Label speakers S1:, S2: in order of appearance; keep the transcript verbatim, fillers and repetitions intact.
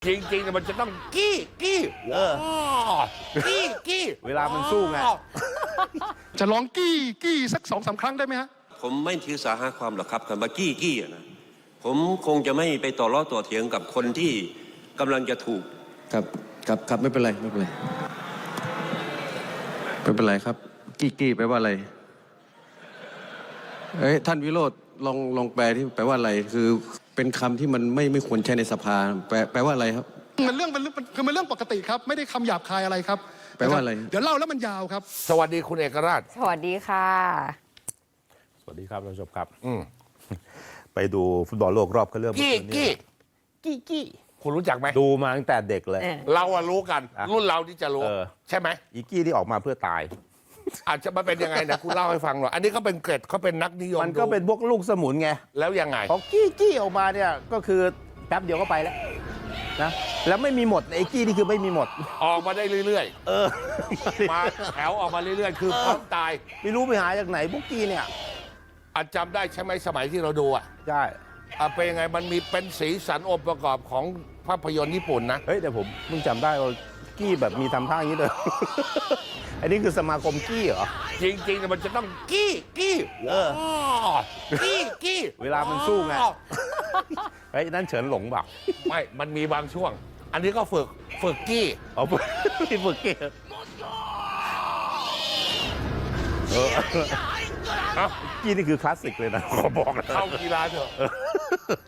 S1: จริงๆมันจะต้องกี้กี้เออกี้กี้
S2: เวลามันสู้ไง
S3: จะร้องกี้กี้สักสองสามครั้งได้ไหมฮะ
S4: ผมไม่ถือสาหาความหรอกครับคำว่ากี้กี้อะนะผมคงจะไม่ไปต่อล้อต่อเถียงกับคนที่กำลังจะถูก
S5: ครับครับครับไม่เป็นไรไม่เป็นไรไม่เป็นไรครับกี้กี้แปลว่าอะไรเอ้ยท่านวิโรจน์ลองลองแปลที่แปลว่าอะไรคือเป็นคำที่มันไม่ไม่ควรใช้ในสภาแปลแปลว่าอะไรครับ
S3: มันเรื่องเป็นเรื่องคือมันเรื่องปกติครับไม่ได้คำหยาบคายอะไรครับ
S5: แปลว่าอะไร
S3: เดี๋ยวเล่าแล้วมันยาวครับ
S1: สวัสดีคุณเอกราช
S6: สวัสดีค่ะ
S2: สวัสดีครับท่านผู้ชมครับ
S1: อืม
S2: ไปดูฟุตบอลโลกรอบคัดเลือก
S1: กี้
S2: เมื่อคืน
S1: กี้
S2: กี้กี้
S1: คุณรู้จักไหม
S2: ดูมาตั้งแต่เด็กเลย
S6: เออ
S1: เราอะรู้กัน
S2: อ่ะ
S1: รุ่นเราที่จะรู้
S2: เออ
S1: ใช่ไหม
S2: อีกี้ที่ออกมาเพื่อตาย
S1: อาจจะมาเป็นยังไงนะคุณเล่าให้ฟังหน่อยอันนี้เขาเป็นเกรดเขาเป็นนักนิยม
S2: มันก็เป็นพวกลูกสมุนไง
S1: แล้วยังไง
S2: พอกี้กี้ออกมาเนี่ยก็คือแป๊บเดียวก็ไปแล้วนะแล้วไม่มีหมดไอ้กี้นี่คือไม่มีหมด
S1: ออกมาได้เรื่อย
S2: เออ
S1: ๆ มาแถวออกมาเรื่อยๆ คือพร้อมตาย
S2: ไม่รู้ไปหาจากไหนพวกกี้เนี่ย
S1: อาจจำได้ใช่ไหมสมัยที่เราดูอ่ะ
S2: ใช่
S1: อ่ะเป็นยังไงมันมีเป็นสีสันองค์ประกอบของภาพยนตร์ญี่ปุ่นนะ
S2: เฮ้ยแต่ผมเพิ่งจำได้ว่ากี้แบบมีทำท่าอย่างนี้เลย อันนี้คือสมาคมกี้เหรอ
S1: จริงๆมันจะต้องกี้กี้
S2: เออ
S1: กี้กี้
S2: เวลามันสู้ไง เฮ้ยนั่นเฉินหลงเปล่า
S1: ไม่มันมีบางช่วง อันนี้ก็ฝึกฝึกกี้
S2: เอาไปที่ฝึกเกตเออ
S1: เอ้า
S2: กี้นี่คือคลาสสิกเลยนะขอบอกนะ
S1: เข้ากีฬาเถอะ